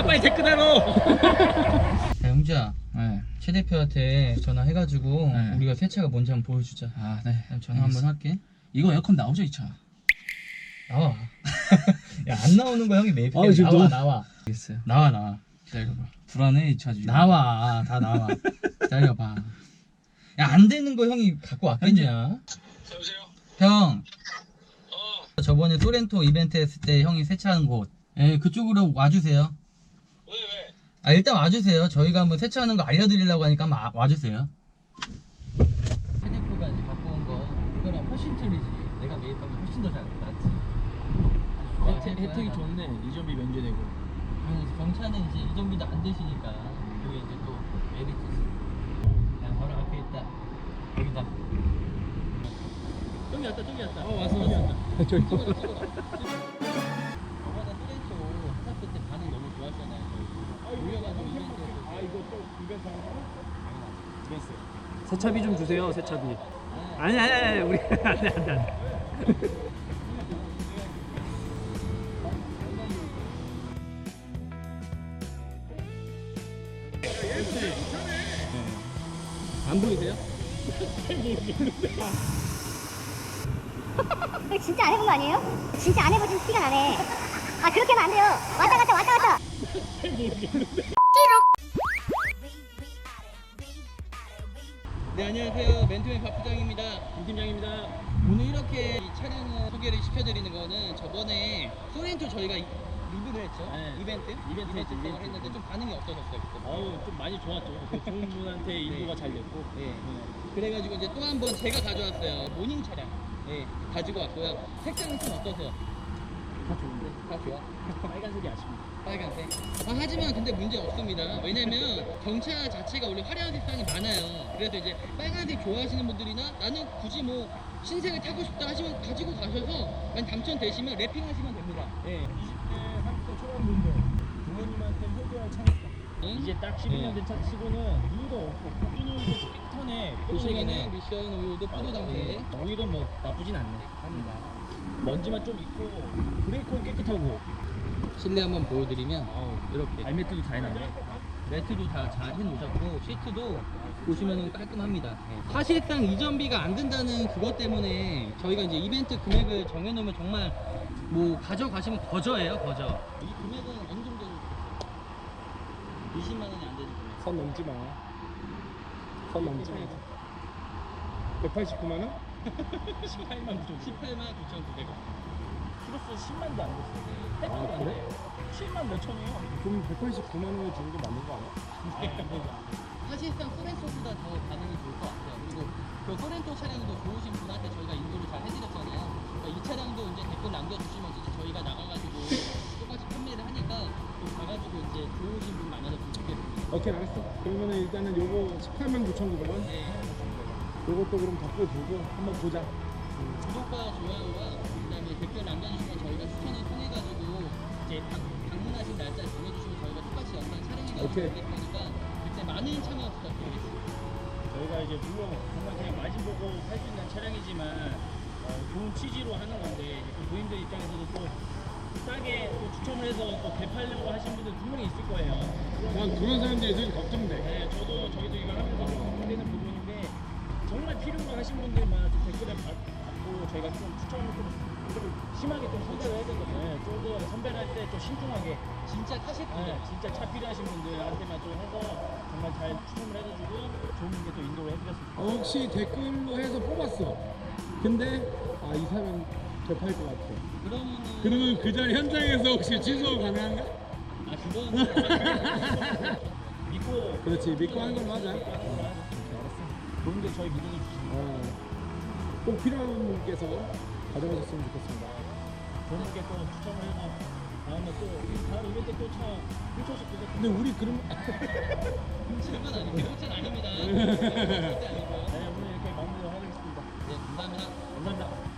빨리 댓글 달어. 야, 영주야. 네. 최 대표한테 전화해가지고 네. 우리가 새 차가 뭔지 한번 보여주자. 아, 네. 그럼 전화 한번 할게. 이거 에어컨 나오죠, 이 차? 나와. 야, 안 나오는 거 형이 매입. 아, 지금 나와 너무- 나와. 알겠어요. 나와. 기다려봐. 불안해, 이 차 지금. 나와. 다 나와. 기다려봐. 야, 안 되는 거 형이 갖고 왔겠냐? 여보세요? 형. 어, 저번에 소렌토 이벤트 했을 때 형이 세차한 곳. 예, 그쪽으로 와주세요. 왜? 아, 일단 와주세요. 저희가 한번 세차하는 거 알려드리려고 하니까 한번 와주세요. 헤드프가 이제 갖고 온 거, 이거랑 훨씬 틀리지. 내가 매입하면 훨씬 더 잘 낫지. 혜택이 좋네. 이전비 면제되고. 경차는 이제 이정비도 안 되시니까 그게 이제 또 메리트지. 야, 바로 앞에 있다. 여기다. 저기 왔다. 왔어. 저기 저번에 소렌토 샀을 때 반응 너무 좋았잖아요. 저희. 올려가지고 이벤트에서. 이거 또 이벤트 하는 거? 이벤트. 세차비 좀 주세요, 세차비. 아니, 우리 안 돼. 안 보이세요? 진짜 안 해본 거 아니에요? 진짜 안 해보신 티가 나네. 아 그렇게 하면 안 돼요. 왔다 갔다. 네, 안녕하세요. 멘토맨 박 부장입니다. 김 팀장입니다. 오늘 이렇게 이 차량을 소개를 시켜드리는 거는 저번에 소렌토 저희가 리뷰를 했죠. 네. 이벤트 이벤트. 했는데 좀 반응이 없어졌어요. 그때. 좀 많이 좋았죠. 좋은 분한테 인도가 잘 됐고. 네. 그래가지고 이제 또 한 번 제가 가져왔어요. 모닝 차량. 네, 가지고 왔고요. 색상이 좀 어떠세요? 다 좋은데. 다 좋아? 빨간색이 아쉽니다. 빨간색. 하지만 근데 문제 없습니다. 왜냐면 경차 자체가 원래 화려한 색상이 많아요. 그래서 이제 빨간색 좋아하시는 분들이나 나는 굳이 뭐 신색을 타고 싶다 하시면 가지고 가셔서 만약 당첨되시면 랩핑하시면 됩니다. 네. 20대, 30대 초반분들 부모님한테 효도할 차니까. 이제 딱 12년 된 차 치고는 누유도 없고 코기는 깨끗하네. 보시면은 미션 오일도 포도 상태. 오일은 뭐 나쁘진 않네. 합니다. 먼지만 좀 있고 브레이크는 깨끗하고. 실내 한번 보여드리면 이렇게 발매트도 다 해놨네. 매트도 다 잘 해놓으셨고 시트도 보시면은 깔끔합니다. 사실상 이전비가 안 든다는 그것 때문에 저희가 이제 이벤트 금액을 정해놓으면 정말 뭐 가져가시면 거저예요, 거저. 이 금액은 어느 정도 20만 원이 안 되는 금액. 선 넘지 마. 선 넘지 마. 189만 원? 18만 9천. 18만 9,900원. 키로수 10만도 안 됐어. 아, 그래? 7만 몇 천이에요. 그럼 189만 원에 주는 게 맞는 거 아니야? 사실상 소렌토보다 더 반응이 좋을 것 같아요. 그리고 그 소렌토 차량도 좋으신 분한테 저희가 인도를 잘 해드렸잖아요. 그러니까 이 차량도 이제 댓글 남겨주시면 이제 저희가 나가가지고 똑같이 판매를 하니까 좀 가가지고 이제 좋으신 분 많아졌으면 좋겠습니다. 오케이, 알았어. 그러면은 일단은 요거 18만 9,900원. 네. 요것도 그럼 덕분 보고 한번 보자. 구독과 좋아요와 그다음에 댓글 남겨주시면 저희가 추천을 통해가지고 이제 방문하신 날짜 정해주시면 저희가 똑같이 영상 촬영해가지고 오케이. 올릴 거니까 그때 많은 참여 부탁드리겠습니다. 저희가 이제 물론 정말 그냥 마진 보고 살 수 있는 차량이지만 좋은 취지로 하는 건데 그 고객들 입장에서도 또 싸게 또 추첨을 해서 또 되팔려고 하신 분들 분명히 있을 거예요. 난 그런 사람들이 되게 걱정돼. 네, 저희도 이거 하면서 걱정되는 부분인데 정말 필요로 하신 분들만 좀 댓글에 받고 저희가 좀 추첨을 좀 심하게 좀 선별을 해야 되거든요. 조금 선별할 때 좀 신중하게 진짜 타실 분들. 진짜 차 필요하신 분들한테만 좀 해서 정말 잘 추첨을 해가지고 좋은 분께 또 인도를 해드렸습니다. 혹시 댓글로 해서 뽑았어. 근데 이 사람 접할 것 같아. 그러면 그 자리 현장에서 혹시 취소 가능한가? 그건 믿고 그렇지, 믿고 하는 걸로 하자. 알았어. 좋은 게 저희 믿음이 주시고 꼭 필요한 분께서 가져가셨으면 좋겠습니다. 좋은 분께 또 추첨을 해서 다음에 또 다음 이벤트 또 차 훔쳐서 주겠습니다. 근데 우리 그럼 훔치는 건 아니고 훔치는 아닙니다. 절대 아니고요. 네, 오늘 이렇게 마무리를 하겠습니다. 네, 감사합니다. 감사합니다.